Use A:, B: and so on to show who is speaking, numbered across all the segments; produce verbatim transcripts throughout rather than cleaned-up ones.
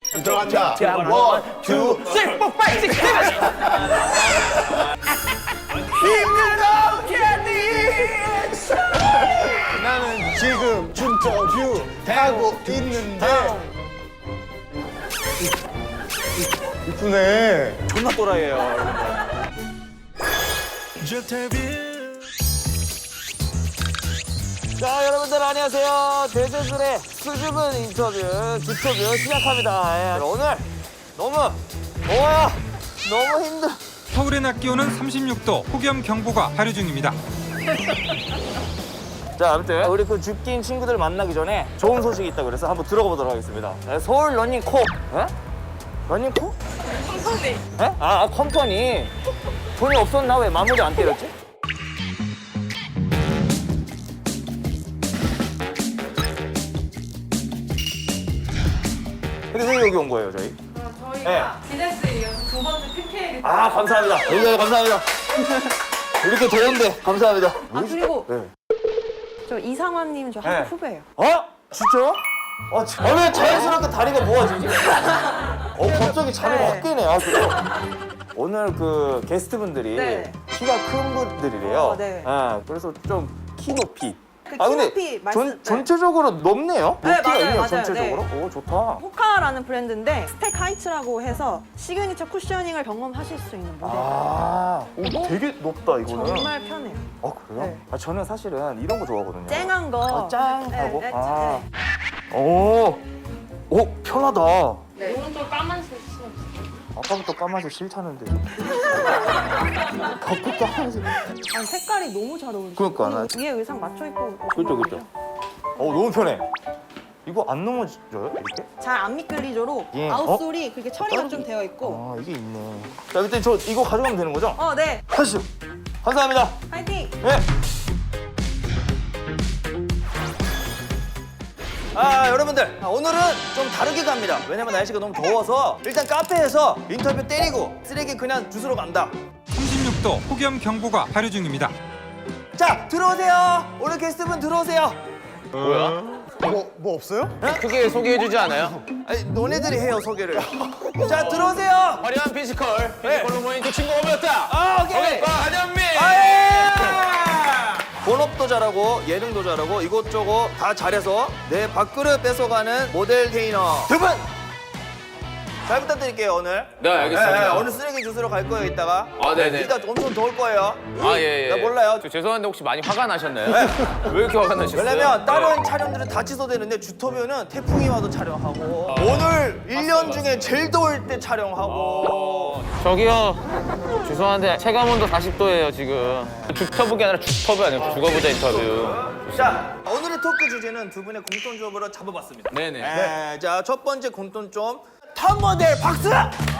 A: 들어간다.
B: 원, 투, 쓰리, 포, 파이브, 식스, 세븐.
A: 나는 지금 준터뷰 하고 있는데. 이쁘네.
B: 존나 또라이예요. 자, 여러분들 안녕하세요. 대저술의 수줍은 인터뷰, 뒷터뷰 시작합니다. 예, 오늘 너무 더워요. 너무 힘들.
C: 서울의 낮 기온은 삼십육 도, 폭염 경보가 발효 중입니다.
B: 자, 아무튼 우리 그 죽긴 친구들 만나기 전에 좋은 소식이 있다고 그래서 한번 들어가 보도록 하겠습니다. 네, 서울 러닝코. 예? 러닝코? 컴퍼니. 예? 아, 아, 컴퍼니. 돈이 없었나? 왜 마무리 안 때렸지? 근데 왜 여기 온 거예요, 저희?
D: 어, 저희가 기네스에 이어서 두 번째 피케이를
B: 아, 감사합니다. 여기 감사합니다. 이렇게 더운데 감사합니다.
D: 아 그리고
B: 네.
D: 저 이상환님 저 학교
B: 네.
D: 후배예요.
B: 어? 진짜요? 아, 참. 아, 왜 자연스럽게 다리가 모아지지? 어, 갑자기 자리가
D: 네.
B: 확 깨네. 아, 그래요? 오늘 그 게스트분들이
D: 네.
B: 키가 큰 분들이래요.
D: 어, 네.
B: 예, 그래서 좀 키 높이.
D: 그
B: 아,
D: 키
B: 근데
D: 높이 말씀-
B: 전,
D: 네.
B: 전체적으로 높네요?
D: 네,
B: 높이가
D: 맞아요,
B: 있네요,
D: 맞아요.
B: 전체적으로. 오, 좋다.
D: 호카라는 브랜드인데 스택 하이츠라고 해서 시그니처 쿠셔닝을 경험하실 수 있는 모델.
B: 아, 오, 되게 높다, 이거는.
D: 정말 편해요.
B: 아, 그래요?
D: 네.
B: 아, 저는 사실은 이런 거 좋아하거든요.
D: 쨍한 거.
B: 아, 짱하고?
D: 네, 네,
B: 아.
D: 네.
B: 오, 오, 편하다.
D: 네.
E: 오른쪽 까만색 신어.
B: 아까부터 까만색 싫다는데. 자꾸 까만색.
D: 아니, 색깔이 너무 잘 어울리죠.
B: 그러니까, 나-
D: 위에 의상 맞춰 입고.
B: 그죠, 그죠. 어, 너무 편해. 이거 안 넘어져요, 이렇게?
D: 잘안 미끌리죠로
B: 예.
D: 아웃솔이 그렇게 처리가
B: 어?
D: 좀 되어 있고.
B: 아, 이게 있네. 자, 그때 저 이거 가져가면 되는 거죠?
D: 어, 네.
B: 하시죠. 감사합니다.
D: 파이팅.
B: 네. 아, 여러분들, 아, 오늘은 좀 다르게 갑니다. 왜냐면 날씨가 너무 더워서 일단 카페에서 인터뷰 때리고 쓰레기 그냥 주스러 간다.
C: 삼십육 도, 폭염 경보가 발효 중입니다.
B: 자, 들어오세요. 오늘 게스트분 들어오세요.
A: 뭐, 뭐 없어요?
F: 크게 소개해주지 않아요?
B: 아니, 너네들이 해요, 소개를. 자, 들어오세요.
F: 화려한 피지컬,
B: 네.
F: 피지컬로 모인 그 친구 오셨다.
B: 아, 오케이.
F: 과 한현민.
B: 아예! 본업도 잘하고 예능도 잘하고 이것저것 다 잘해서 내 밥그릇 뺏어가는 모델 테이너 두 분! 잘 부탁드릴게요, 오늘.
F: 네, 알겠습니다.
B: 네, 네, 오늘 쓰레기 주스러 갈 거예요, 이따가.
F: 아, 네네.
B: 이따 엄청 더울 거예요.
F: 아, 예, 예.
B: 나 몰라요.
F: 저 죄송한데 혹시 많이 화가 나셨나요? 왜 이렇게 화가 나셨어요?
B: 왜냐면 다른
F: 네.
B: 촬영들은 다 취소되는데 주터뷰는 태풍이 와도 촬영하고 오늘 일 년 중에 제일 더울 때 촬영하고
F: 어, 저기요. 죄송한데 체감온도 사십 도예요, 지금. 죽터뷰가 아니라 죽터뷰 아니에요? 죽어보자 인터뷰.
B: 자, 오늘의 토크 주제는 두 분의 공통점으로 잡아봤습니다.
F: 네네.
B: 네, 자, 첫 번째 공통점 탑 모델 박수!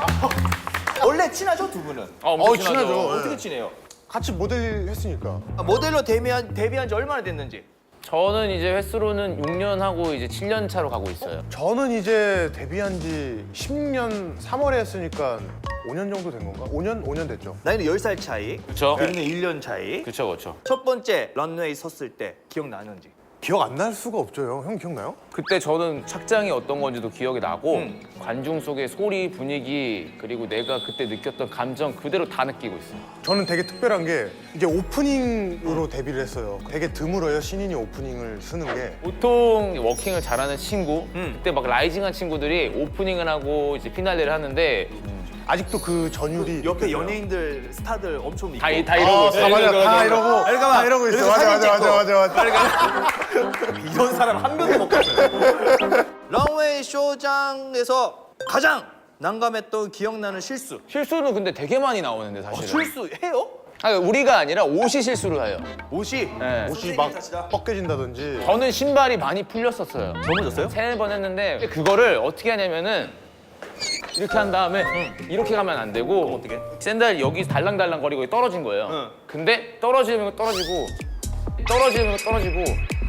B: 원래 친하죠, 두 분은?
F: 어, 엄청
A: 어, 친하죠.
B: 어떻게 친해요?
A: 같이 모델 했으니까.
B: 아, 모델로 데뷔한, 데뷔한 지 얼마나 됐는지?
F: 저는 이제 횟수로는 육 년 하고 이제 칠 년 차로 가고 있어요.
A: 저는 이제 데뷔한 지 십 년 삼월에 했으니까 오 년 정도 된 건가? 오 년? 오 년 됐죠.
B: 나이는 열 살 차이,
F: 그쵸?
B: 데뷔는 일 년 차이.
F: 그쵸, 그쵸.
B: 첫 번째 런웨이 섰을 때 기억나는지?
A: 기억 안 날 수가 없죠, 형. 형 기억나요?
F: 그때 저는 착장이 어떤 건지도 기억이 나고
B: 음.
F: 관중 속의 소리, 분위기 그리고 내가 그때 느꼈던 감정 그대로 다 느끼고 있어요.
A: 저는 되게 특별한 게 이제 오프닝으로 데뷔를 했어요. 되게 드물어요, 신인이 오프닝을 쓰는 게.
F: 보통 워킹을 잘하는 친구,
B: 음.
F: 그때 막 라이징한 친구들이 오프닝을 하고 이제 피날레를 하는데
A: 아직도 그 전율이
B: 옆에
A: 느껴져요.
B: 연예인들, 스타들 엄청 있고
F: 다, 이- 다 이러고
A: 아,
F: 있어요.
A: 다 맞아,
F: 이러고
A: 다
F: 있어요.
A: 이러고,
B: 잠깐만.
A: 다 이러고 있어.
B: 그래서
A: 맞아,
B: 사진
A: 맞아, 맞아,
B: 찍고.
A: 맞아, 맞아.
B: 이런 사람 한 명도 못 봤어요. 런웨이 쇼장에서 가장 난감했던 기억나는 실수.
F: 실수는 근데 되게 많이 나오는데 사실은.
B: 어, 실수해요?
F: 아니, 우리가 아니라 옷이 실수를 해요.
B: 옷이
F: 네.
A: 옷이 막 벗겨진다든지.
F: 저는 신발이 많이 풀렸었어요.
B: 넘어졌어요?
F: 세네 번 했는데 그거를 어떻게 하냐면은 이렇게 한 다음에 이렇게 가면 안 되고
B: 어떻게?
F: 샌들 여기 달랑달랑 거리고 떨어진 거예요.
B: 응.
F: 근데 떨어지면 떨어지고 떨어지면 떨어지고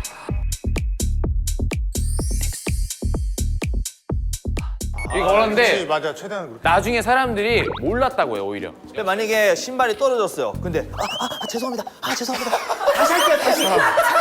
F: 이거
A: 그치,
F: 그런데
A: 맞아, 최대한 그렇게.
F: 나중에 사람들이 몰랐다고요 오히려.
B: 근데 만약에 신발이 떨어졌어요. 근데 아, 아, 아 죄송합니다. 아 죄송합니다. 다시 할게요. 다시.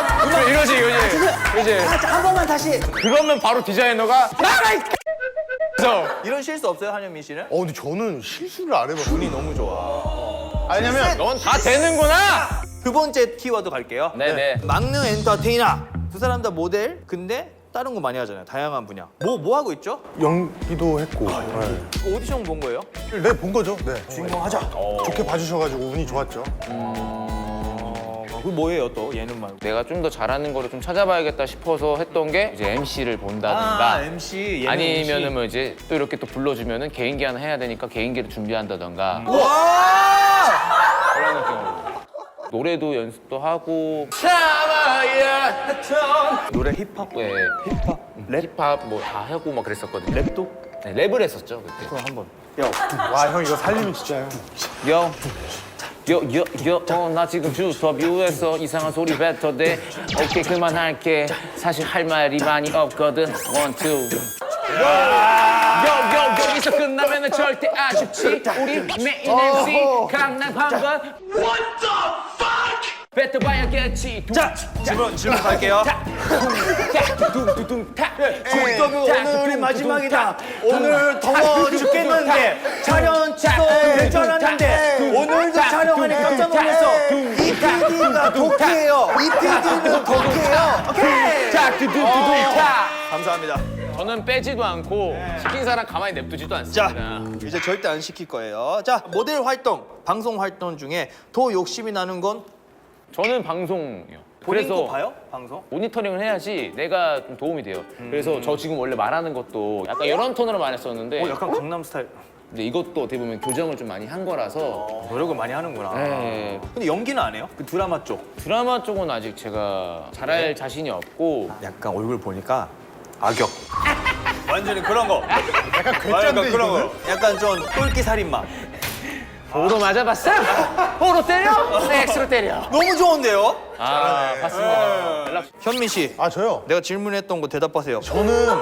F: 이러지 이러지 이러지.
B: 아, 한 번만 다시.
F: 그러면 바로 디자이너가 나가 이
B: 이런 실수 없어요, 한현민 씨는?
A: 어 근데 저는 실수를 안 해봤어요.
B: 운이 너무 좋아.
A: 아니냐면
F: 넌 다 되는구나.
B: 두 번째 키워드 갈게요.
F: 네네.
B: 막내 엔터테이너. 두 사람 다 모델. 근데 다른 거 많이 하잖아요. 다양한 분야. 뭐 뭐 하고 있죠?
A: 연기도 했고. 네.
B: 오디션 본 거예요?
A: 네, 본 거죠. 네.
B: 주인공 하자.
A: 좋게 봐주셔가지고 운이 좋았죠.
B: 어, 그 뭐예요 또 예능 말고?
F: 내가 좀 더 잘하는 거를 좀 찾아봐야겠다 싶어서 했던 게 이제 엠씨를 본다든가
B: 아, 엠씨 예능
F: 아니면은
B: 엠씨.
F: 뭐 이제 또 이렇게 또 불러주면은 개인기 하나 해야 되니까 개인기를 준비한다던가
B: 와!
F: 그런 느낌으로 노래도 연습도 하고
B: 노래 힙합.
F: 예, 힙합 랩 힙합 뭐 다 하고 막 그랬었거든요. 랩도 네, 랩을 했었죠 그때.
B: 그럼 한번.
A: 와 형 이거 살리면 진짜요.
F: 요, 요, 요, 요, 어, 나 지금 주스터뷰에서 이상한 소리 뱉어대. 오케이, 그만할게. 사실 할 말이 많이 없거든. 원, 투. 요, 요, 여기서 끝나면은 절대 아쉽지. 우리 메인 엠씨 강남 한번. What the fuck? 뱉어봐야겠지.
B: 자, 질문 질문 갈게요.
F: 둥둥둥 타.
B: 국덕이 오늘이 마지막이다. 오늘 더워 죽겠는데 촬영 취소 될 줄 알았는데 오늘도 촬영하니 깜짝 놀랐어. 이 피디가 독해요. 이 피디는 독해요. 오케이.
F: 자, 두두두둥 타.
B: 감사합니다.
F: 저는 빼지도 않고 시킨 사람 가만히 냅두지도
B: 자,
F: 않습니다.
B: 이제 절대 안 시킬 거예요. 자, 모델 활동, 방송 활동 중에 더 욕심이 나는 건
F: 저는 방송이요.
B: 본인 거
F: 그래서
B: 봐요? 방송?
F: 모니터링을 해야지 내가 좀 도움이 돼요. 그래서 저 지금 원래 말하는 것도 약간 이런 톤으로 말했었는데
B: 어, 약간 강남 스타일.
F: 근데 이것도 어떻게 보면 교정을 좀 많이 한 거라서
B: 노력을 많이 하는구나.
F: 네.
B: 근데 연기는 안 해요? 그 드라마 쪽.
F: 드라마 쪽은 아직 제가 잘할 자신이 없고
B: 약간 얼굴 보니까 악역. 완전히 그런 거.
A: 약간
B: 약간
A: 괴짠데
B: 그런
A: 이거는.
B: 거. 약간 좀 똘끼 살인마.
F: 보로 맞아봤어? 보로 때려? X로 때려.
B: 너무 좋은데요?
F: 아 봤습니다. 연락
B: 현민 씨,
A: 아 저요.
B: 내가 질문했던 거 대답하세요.
A: 저는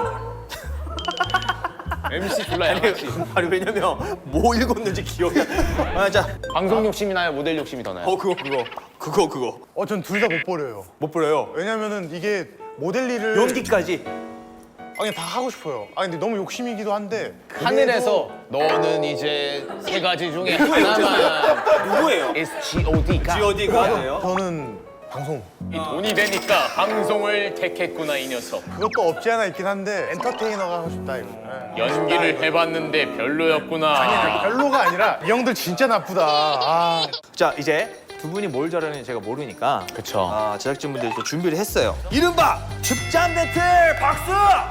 F: 엠씨 불러 엠씨.
B: 아니 왜냐면 뭐 읽었는지 기억이 안. 아, 자,
F: 방송 욕심이 나요? 모델 욕심이 더 나요?
B: 어 그거 그거 그거 그거
A: 어 전 둘 다 못 버려요.
B: 못 버려요.
A: 왜냐면은 이게 모델 일을
B: 연기까지.
A: 아, 그냥 다 하고 싶어요. 아 근데 너무 욕심이기도 한데
F: 하늘에서 너는 이제 세 가지 중에 하나만
B: 누구예요?
F: is G.O.D가
B: 지오디가 돼요?
A: 저는 방송
F: 이 돈이 되니까 방송을 택했구나 이 녀석.
A: 그것도 없지 않아 있긴 한데 엔터테이너가 하고 싶다 이거. 예.
F: 연기를 해봤는데 별로였구나.
A: 별로가 아니라 이 형들 진짜 나쁘다. 아.
B: 자, 이제 두 분이 뭘 잘하는지 제가 모르니까
F: 그쵸.
B: 아, 제작진분들이 또 준비를 했어요. 이른바 죽잠 배틀 박수!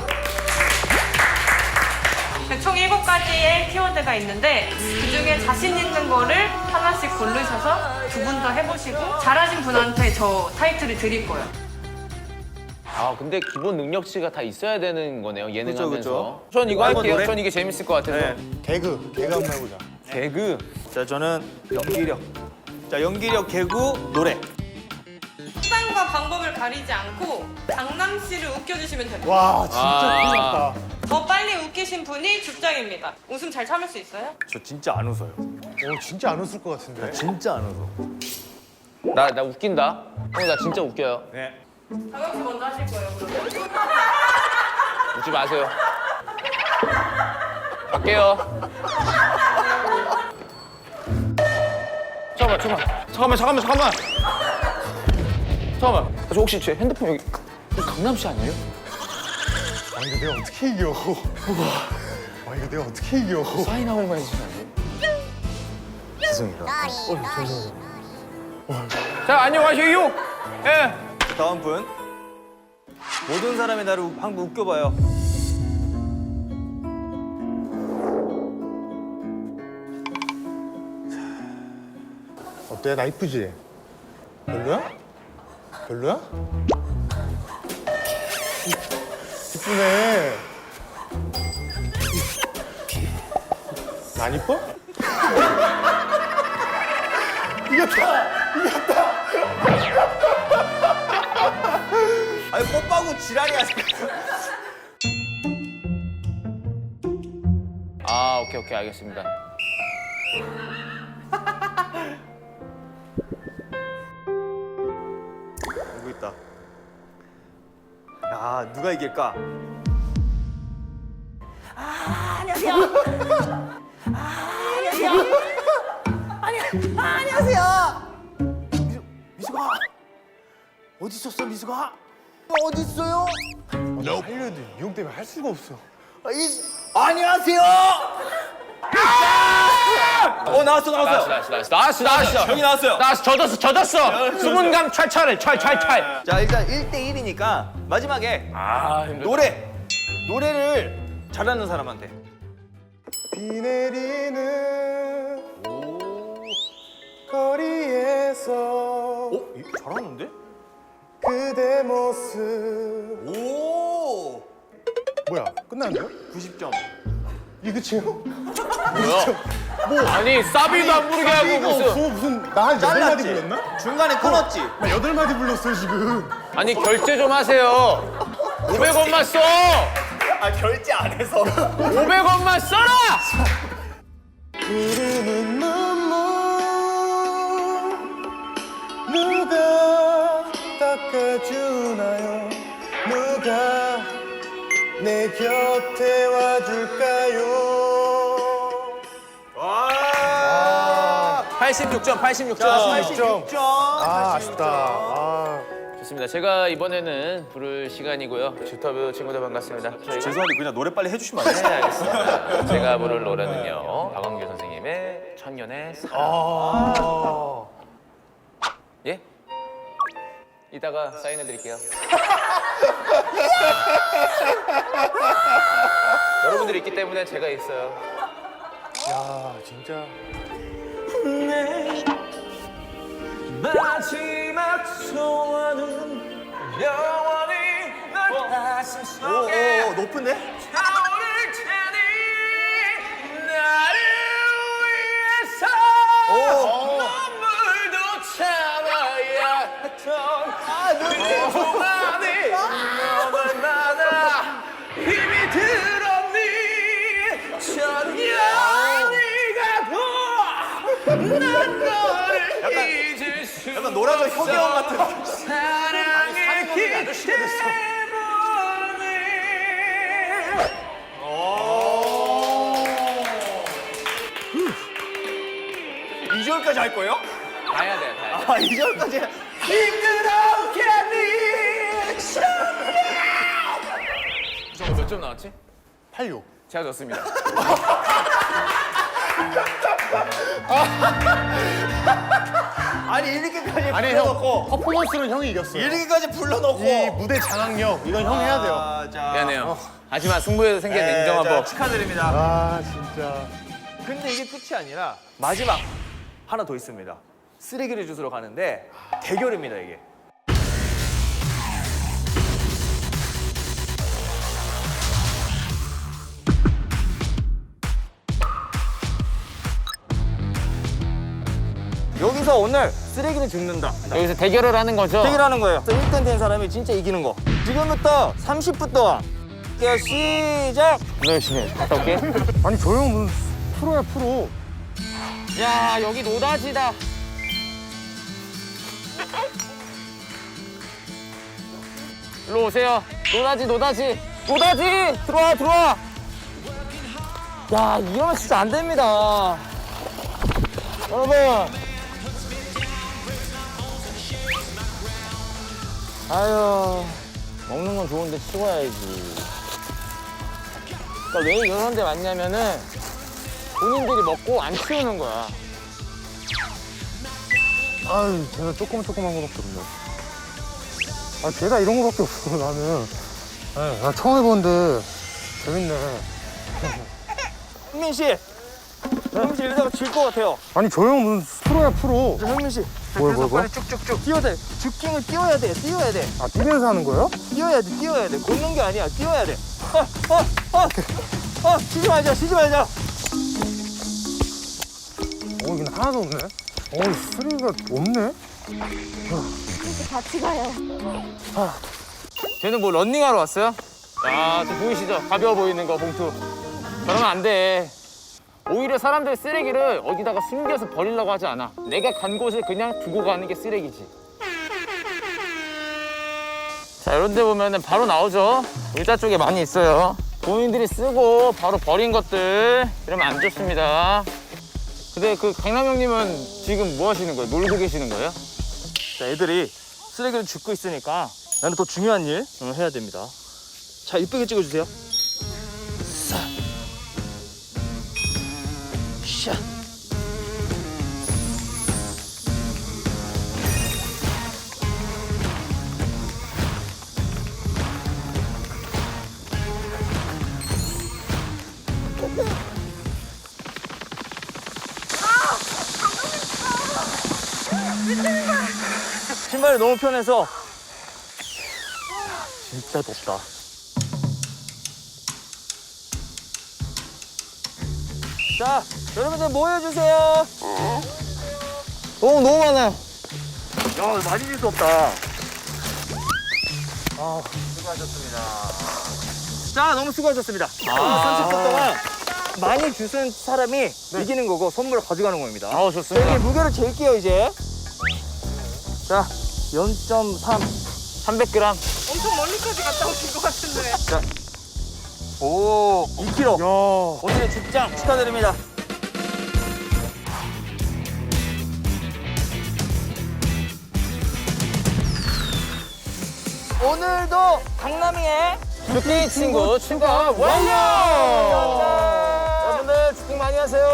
E: 총 일곱 가지의 키워드가 있는데 그중에 자신 있는 거를 하나씩 고르셔서 두 분 다 해보시고 잘하신 분한테 저 타이틀을 드릴 거예요.
F: 아 근데 기본 능력치가 다 있어야 되는 거네요 예능
B: 그쵸,
F: 하면서.
B: 그쵸.
F: 전 이거
B: 한번
F: 할게요.
B: 노래?
F: 전 이게 재밌을 것 같아서.
B: 네.
A: 개그 개그 한번 해보자.
F: 개그.
B: 자, 저는 연기력. 자, 연기력, 개구, 노래.
E: 수단과 방법을 가리지 않고 장남 씨를 웃겨주시면 됩니다.
A: 와 진짜
F: 아.
A: 큰일 났다.
E: 더 빨리 웃기신 분이 죽장입니다. 웃음 잘 참을 수 있어요?
B: 저 진짜 안 웃어요.
A: 오 진짜 안 웃을 것 같은데.
B: 진짜 안 웃어.
F: 나 나 웃긴다. 형 나 진짜 웃겨요.
B: 네.
E: 장영 씨 먼저 하실 거예요, 그러면.
F: 웃지 마세요. 갈게요. 잠깐만, 잠깐만, 잠깐만, 잠깐만, 잠깐만. 잠깐만. 저 혹시 제 핸드폰 여기 여기 강남시 아니에요?
A: 아 이거 내가 어떻게 이겨? 와 이거 내가 어떻게 이겨?
F: 사인 한 번만 해주시면 안 돼요?
B: 죄송해요.
F: 자, 안녕하세요. 예.
B: 다음 분. 모든 사람이 나를 우- 한번 웃겨봐요.
A: 어때? 나 이쁘지? 별로야? 별로야? 이쁘네. 나 안 이뻐? 이겼다!
B: 아니, 뽀빠구 지랄이야.
F: 아, 오케이, 오케이, 알겠습니다.
B: 누구 있다. 야, 누가 이길까? 아,
D: 안녕하세요. 아, 안녕하세요. 아니, 아, 안녕하세요.
G: 미숙아 어디 있었어 미숙아? 어디 있어요?
A: 하려도 미용 때문에 할 수가 없어.
G: 아, 이, 안녕하세요.
B: 어 나왔어 나왔어.
F: 나왔어 나왔어 나왔어 나왔어
B: 형이 나왔어요.
F: 나왔어 젖었어 젖었어 수분감 찰찰해 찰찰찰.
B: 자 일단 일 대 일이니까 마지막에
F: 아 힘들다.
B: 노래 노래를 잘하는 사람한테.
A: 비 내리는 거리에서
B: 어? 잘하는데?
A: 그대 모습.
B: 오
A: 뭐야? 끝났는데요?
B: 구십 점.
A: 이게 끝이에요?
F: 뭐야? 아니 사비도 안 부르게 하고
A: 이거
F: 무슨
A: 없어. 무슨 나 한 여덟 마디 불렀나?
B: 중간에 끊었지?
A: 나 여덟 마디 불렀어요 지금.
F: 아니 결제 좀 하세요. 오백 원만 써.
B: 아 결제 안 해서.
F: 오백 원만 써라.
A: 흐르는 눈물 누가 닦아주나요? 누가 내 곁에 와줄까요?
B: 팔십육 점 팔십육 점.
A: 팔십육 점. 아 아쉽다. 아.
F: 좋습니다. 제가 이번에는 부를 시간이고요. 주터뷰 친구들 반갑습니다. 저희가
B: 죄송한데 그냥 노래 빨리 해주시면 안 돼요?
F: 네, 알겠습니다. 제가 부를 노래는요. 박완규 선생님의 천년의 사랑.
A: 아.
F: 예? 이따가 사인해드릴게요. 여러분들이 있기 때문에 제가 있어요.
A: 야 진짜.
B: 마지막 소원은 영원히 널 가슴 속에 오, 오, 높은데? 타오를 테니 나를 위해서 눈물도 참아야 했던 아, 눈이 동안이 넌 얼마나 힘이 들었니 천년이 가도 난 너를 잊을 수 약간 노라조 효계원 같은 사랑의 기대보니 이 절까지 할 거예요?
F: 가야 돼요, 가야 돼.
B: 아, 이 절까지 힘들었겠니
F: 저 몇 점 나왔지?
A: 팔육.
F: 제가 졌습니다.
B: 아니 이렇게까지
A: 아니 형
B: 불러놓고
A: 퍼포먼스는 형이 이겼어요.
B: 이렇게까지 불러놓고
A: 이 무대 장악력 이건 형이 해야 돼요.
B: 아, 자.
F: 미안해요. 하지만 승부에서 생긴
B: 네,
F: 냉정한
B: 자,
F: 법.
B: 축하드립니다.
A: 아 진짜.
B: 근데 이게 끝이 아니라 마지막 하나 더 있습니다. 쓰레기를 주스러 가는데 대결입니다 이게. 여기서 오늘 쓰레기를 줍는다.
F: 여기서 대결을 하는 거죠?
B: 대결하는 거예요. 일 등 된 사람이 진짜 이기는 거. 지금부터 삼십 분 동안 대결 시작.
F: 열심히 해. 갔다 올게.
A: 아니 저 형 무슨 프로야 프로.
F: 야, 여기 노다지다. 일로 오세요. 노다지, 노다지. 노다지! 들어와, 들어와.
B: 야 이러면 진짜 안 됩니다. 여러분. 아유 먹는 건 좋은데 치워야지. 그러니까 왜 이런 데 왔냐면은 본인들이 먹고 안 치우는 거야.
A: 아유 제가 조금 조그만 거밖에 없네. 아 제가 이런 거밖에 없어 나는. 아, 나 처음 해보는데 재밌네.
B: 현민 씨, 현민 씨 이러다가 질 것 같아요.
A: 아니 저 형 무슨 프로야 프로.
B: 자, 현민 씨, 자,
A: 뭐야,
B: 그래서
A: 뭐야,
B: 빨리 쭉쭉쭉 뛰어야 돼. 주킹을 뛰어야 돼, 뛰어야 돼,
A: 아 뛰면서 하는 거예요?
B: 뛰어야 돼, 뛰어야 돼. 걷는 게 아니야, 뛰어야 돼. 어, 어, 어, 어, 쉬지 말자, 쉬지 말자.
A: 어 이건 하나도 없네. 어 쓰레기가 없네.
D: 같이 가요.
F: 쟤는 뭐 런닝하러 왔어요? 아, 저 보이시죠? 가벼워 보이는 거 봉투. 그러면 안 돼. 오히려 사람들 쓰레기를 어디다가 숨겨서 버리려고 하지 않아. 내가 간 곳에 그냥 두고 가는 게 쓰레기지. 자, 이런 데 보면은 바로 나오죠. 의자 쪽에 많이 있어요. 본인들이 쓰고 바로 버린 것들 이러면 안 좋습니다. 근데 그 강남 형님은 지금 뭐 하시는 거예요? 놀고 계시는 거예요?
B: 자, 애들이 쓰레기를 줍고 있으니까 나는 더 중요한 일 어, 해야 됩니다. 자, 이쁘게 찍어주세요. 사, 샤. 신발이 너무 편해서 진짜 덥다. 자, 여러분들 모여주세요.
F: 너무 너무 많아요.
B: 야, 많이 질 수 없다. 아, 수고하셨습니다. 자, 너무 수고하셨습니다. 삼십 분 동안 많이 주신 사람이 이기는 거고 선물을 가져가는 겁니다.
F: 아우
B: 자,
F: 좋습니다.
B: 여기 무게를 잴게요, 이제. 자, 영 점 삼.
F: 삼백 그램.
E: 엄청 멀리까지 갔다 오신 것 같은데.
B: 오, 이 킬로그램.
A: 야.
B: 오늘의 죽장 축하드립니다. 오늘도 강남이의
F: 죽기 친구 출발 완료! 여러분들 죽기 많이 하세요.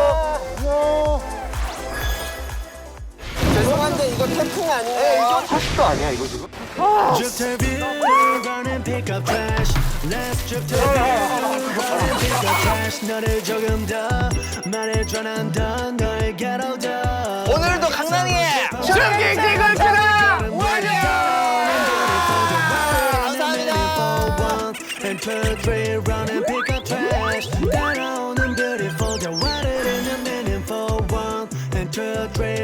B: 죄송한데 이거 태풍 아니에요? 이거 타시도 아니야 이거 지금?
H: Drip the view, run and pick up trash. Let's drip the view, run and pick up trash. 너를 조금 더 말해줘 난 더 널 괴로워.
B: 오늘도 강남이의
H: 죽기 친구 출발 완료! And two, three, run and pick up trash. 따라오는 beautiful, the water in the meaningful one. And two, three.